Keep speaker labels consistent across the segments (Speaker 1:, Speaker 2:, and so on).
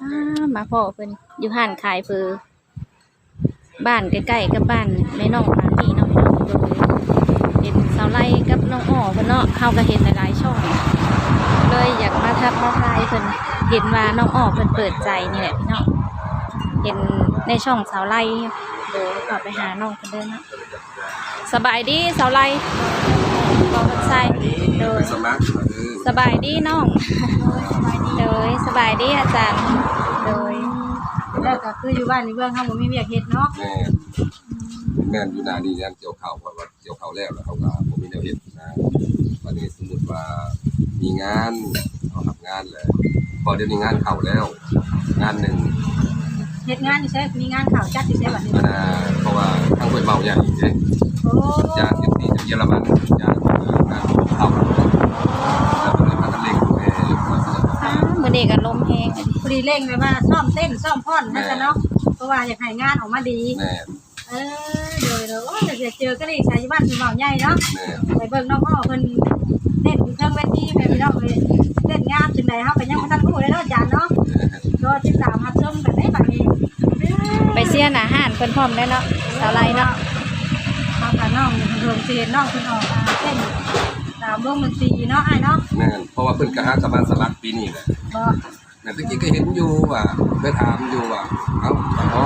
Speaker 1: มาพ่อเพิ่นอยู่ห้านขายเฟอบ้านใกล้ๆกับบ้านแม่น้องร้านนี้เนาะพี่น้องโดยเห็นสาวไล่กับน้องอ้อเพิ่นเนาะเขาก็เห็นหลายๆช่องเลยอยากมาทักมาทายเพิ่นเห็นว่าน้องอ้อเพิ่นเปิดใจนี่แหละพี่น้องเห็นในช่องสาวไล่โดยขอไปหาน้องเพิ่นเด้อเนาะสบายดีสาวไล่บอกกันใส่โดยสบายดีน้องโดยสบายดีอาจารย์โดย
Speaker 2: แล้วก็คืออยู่บ้านในเมืองเขาบ่มีเวียกเฮ็ดเนาะ
Speaker 3: แม่อยู่นานี่เนี่ยเกี่ยวข้าวว่าเกี่ยวข้าวแล้วเขาก็บ่มีแนวเฮ็ดนะวันนี้สมมุติว่ามีงานเขาทำงานแล้วพอเดี๋ยวนี้งานเข้าแล้วงานหนึ่ง
Speaker 2: เฮ็ดงานนี่ใช่มีงานข่าวจัดที่ใช่บัดนี้
Speaker 3: เพราะว่าทางห้วยเมาใหญ่เด้
Speaker 2: โอ้
Speaker 3: ญาติที่จากเยอรมันญาติงานเข้าแล้วก็เลยพากันเล็ง
Speaker 1: มื้อนี้ก็ลมแฮง
Speaker 2: พอดีเร่งเลยว่าซ่อมเต้นซ่อมพ่อนนั่นซะเนาะเพราะว่าอยากให้งานออกมาดี
Speaker 3: แม่
Speaker 2: โดยโอ้ยอยากเจอก็ได้ชายบ้านคือเมาใหญ่เนาะไปเบิ่งน้องอ้อเพิ่นเต้นอยู่เทิงเวทีแม่พี่น้องเลยเต้นงามจังได๋เฮาก็ยังบ่ทันรู้เลยเนาะอาจารย์เนาะรอติดตามรับชมกันได้บัดนี้
Speaker 1: ไปเสียอาหารเพิ่นพร้อมได้เนาะสาวไลเนาะ
Speaker 2: ทางน้องเพิ่นสิเห็นน้องเพิ่นออกเต้นตามวงดนตรีเนาะอ้ายเนาะ
Speaker 3: แม่นเพราะว่าเพิ่นก็หาสมานสลักปีนี้แหละ
Speaker 2: บ่
Speaker 3: แม่ตะกี้ก็เห็นอยู่ว่าไปถามอยู่ว่าเอ้าอ๋อ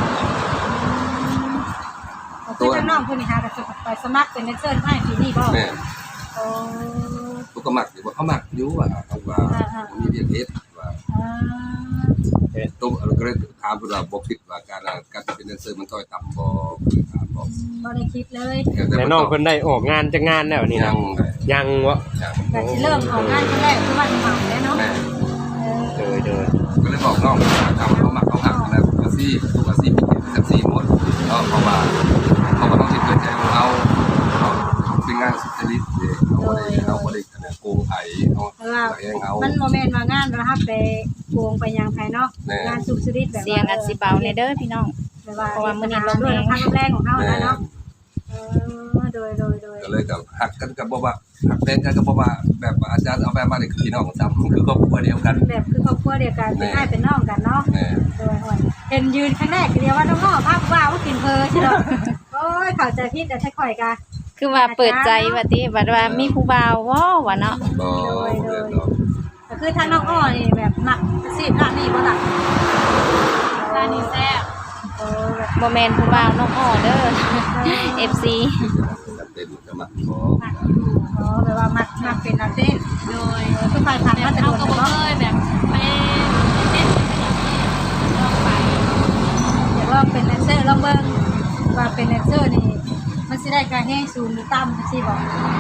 Speaker 2: ตัวน้องเพิ่นนี่หาก็จะไปสมัครเป็นแดนเซอร์ให้ปีนี้บ่
Speaker 3: แม่
Speaker 2: โอ้
Speaker 3: ตัวก็มักอยู่ว่าเขามักอยู่ว่าเขาว่ามีเรียนเฮ็ดว่าตัวก็เลยถามเพิ่นว่าบ่คิดว่าการเป็นแดนเซอร์มันต้อยต่ำบ่ถามบ่
Speaker 2: ได้คิดเลย
Speaker 4: แต่น้องเพิ่นได้ออกงานจักงานแล้วนี่นะยังบ่
Speaker 2: แต่สิเริ่มออกงานครั้งแรกคือวันใหม่แล้วเนาะ
Speaker 4: โดย
Speaker 3: ก็เลยบอกน้องทำเขามักเขาหักนะตัวซี่เป็นซี่หมดเพราะว่าต้องคิดเกิดใจของเราเป็นงานสุจริตเราบ่ได้คะแนนโกงไผเอา
Speaker 2: มันโมเมนต์ว่างานเราไปโกงไปยังไผเนาะงานสุจริตแบบ
Speaker 1: เสียงอัดสิเบาในเด้อพี่น้อง
Speaker 2: เพราะว่ามื้อนี้ลมแรงของเฮาแล้วเนาะโดย
Speaker 3: ก็เลยกับหักกันกับบ่ว่าหักแรงกันกับบ่ว่าแบบอาจารย์เอาแบบมาได้คือพี่น้องซ้ำคือครอบครัวเดียวกัน
Speaker 2: แบบคือครอบครัวเดียวกันเป็นอ้ายเป็นน้องกันเนาะโดยเห็นยืนครั้งแรกเดียวว่าน้องอ้อภาพว่ากินเพอใช่เนาะโอ้ยเข้าใจผิดแต่ใช่ข่อยกะ
Speaker 1: คือว่าเปิดใจว่าติว่ามีผู้บ่าวว่าเนาะ
Speaker 2: ก็คือทางน้องอ้อนี่แบบมักสิร้านนี้บ่ล่ะร้านนี้แซ่บ
Speaker 1: บ่แม่นผู้บ่าวน้องอ้อเด้อ FC
Speaker 3: เป็นก็มัก
Speaker 2: แบบว่ามักเป็นนักเต้นโดยคือฝ่ายผ่านมาแต่โดนเนาะ
Speaker 1: แบบไปเต้นลองไป
Speaker 2: อยากลองเป็นแดนเซอร์ลองเบิ่งว่าเป็นแดนเซอร์นี่มันสิได้การแห้งสูงหรือต่ำจังซี่บ่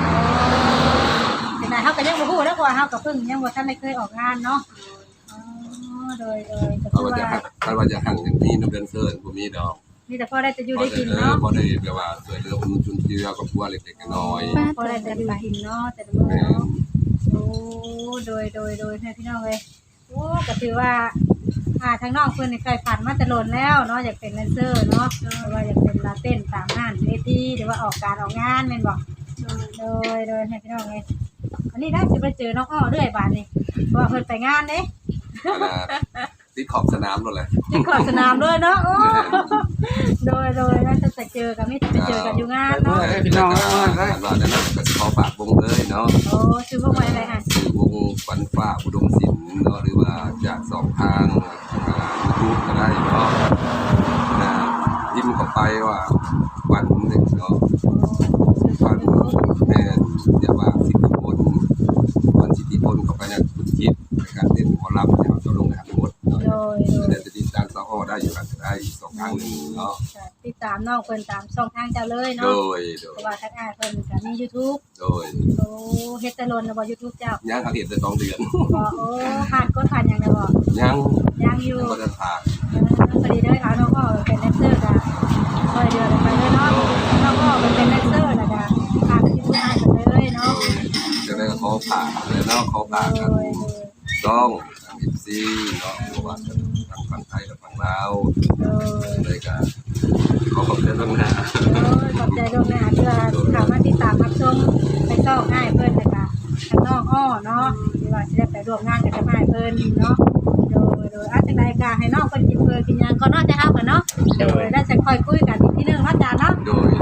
Speaker 2: เป็นไงเฮาก็ยังบ่ฮู้แล้วว่าเฮาก็เพิ่งยังบ่ทันได้เคยออกงานเนาะโดยก็คือ
Speaker 3: ว่าจะหั่นอย่างนี้น้ำเดือนเซิร์นบ่มีดอก
Speaker 2: มีแต่พอได้จะอยู่ได้กินเนาะ
Speaker 3: พอได้แบบว่าช่วยเหลือคนจุนเจือครอบครัวเล็กๆน้อย
Speaker 2: พอได้จะอยู่กินเนาะแต่ละมื้อเนาะโอ้โดยให้พี่น้องเลยโอ้ก็ถือว่าทางน้องเพิ่นนี่เคยผ่านมาแต่โลนแล้วเนาะอยากเป็นแดนเซอร์เนาะหรือว่าอยากเป็นลาเต้นตามงานเวทีหรือว่าออกการออกงานแม่นบ่โดยให้พี่น้องเลยอันนี้ได้สิไปเจอน้องอ้อเรื่อยบาดนี้เพราะว่าเพิ่นไปงานเด้
Speaker 3: ติดขอบสนามนั่นแหละ
Speaker 2: ติดขอบสนามด้วยเนาะโอ้โดยน่าจะเจอกันไม่จะไปเจอกันอยู่งานเนาะ
Speaker 3: พี่น้องได้ว่านั้นก็ขอฝากวงเลยเนาะ
Speaker 2: โอ้ชื่อวงอะไรฮะ
Speaker 3: ชื่อวงฝันฟ้าอุดมศิลป์เนาะหรือว่าจาก2ทาง YouTube ก็ได้เนาะยิ้มเข้าไปว่าวันนึงเนาะวันแม่อย่าว่าสิทธิพลวันสิทธิพลเข้าไปเนี่ยคุณคิดในการเต้นหมอลำเนี่ยจะลงในทั้งหมดเนาะเดี๋ยวจะติดตามสาวอ้อได้อยู่กันได้2ทางนึงเนาะ
Speaker 2: ติดตามน้องเพิ่นตามช่องทางเจ้าเลยเนาะเพราะว่าทางอ้ายเพิ่นก็มี YouTube
Speaker 3: โ
Speaker 2: อ้เฮ็ดแต่ล้นแล้วบ่ YouTube เจ้า
Speaker 3: ยังเฮ็ดได้2เดือน
Speaker 2: บ่โอ้ผ่านยังได้บ่ยังอยู่
Speaker 3: บ่ได้ผ่าน
Speaker 2: พอดีได้ค่ะน้องอ้อเป็นแดนเซอร์ก็ค่อยเดือนไปเลยเนาะน้องอ้อเป็นแดนเซอร์แล้วก็ผ่านที่ผู้ให้กันเลยเนาะ
Speaker 3: จะได้ขอผ่านเลยเนาะขอผ่านกันต้องFC เนาะเพราะว่าทางฝั่งไทยและฝั่งลาวเลยก็ขอบคุณล่วงหน้า
Speaker 2: ขอบใจล่วงหน้าที่ว่าเข้ามาติดตามรับชมไปต่อง่ายเพิ่นนะคะทางน้องอ้อเนาะที่ว่าสิได้ไปร่วมงานกับอ้ายเพิ่นเนาะโดยอาจจะได้กาให้น้องเพิ่นกินเพิ่นกินหยังก่อนเนาะจะเฮากันเนาะโดยได้จะค่อยคุยกันอีกทีนึงเนาะจ้าเนาะ
Speaker 3: โดย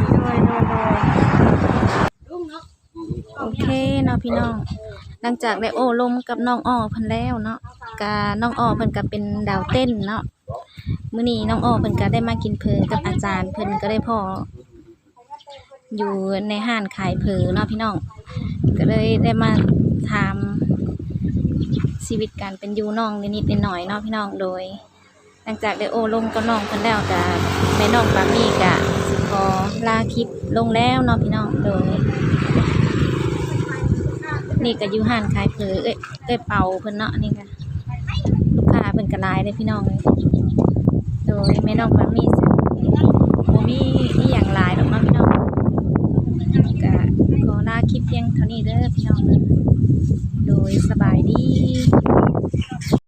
Speaker 2: ลุงเนาะ
Speaker 1: โอเคเนาะพี่น้องหลังจากได้โอ้ลมกับน้องอ้อเพิ่นแล้วเนาะกะน้องอ้อเพิ่นก็เป็นดาวเต้นเนาะมื้อนี้น้องอ้อเพิ่นก็ได้มากินเพอกับอาจารย์เพิ่นก็ได้พ่ออยู่ในห้านขายเพอเนาะพี่น้องก็เลยได้มาถามชีวิตการเป็นอยู่น้องนิดๆหน่อยๆเนาะพี่น้องโดย หลังจากได้โอ้ลมกับน้องเพิ่นแล้วก็แม่น้องปามี่ก็สิขอลาคลิปลงแล้วเนาะพี่น้องโดย นี่ก็อยู่ห้านขายเพอเป่าเพิ่นเนาะนี่ก็ลูกค้าเพิ่นก็หลายเลยพี่น้องเลยโดยแม่น้องปามี่บ่มีอีหยังหลายดอกเนาะพี่น้องก็ขอลาคลิปเพียงเท่านี้เด้อพี่น้องเด้อโดยสบายดี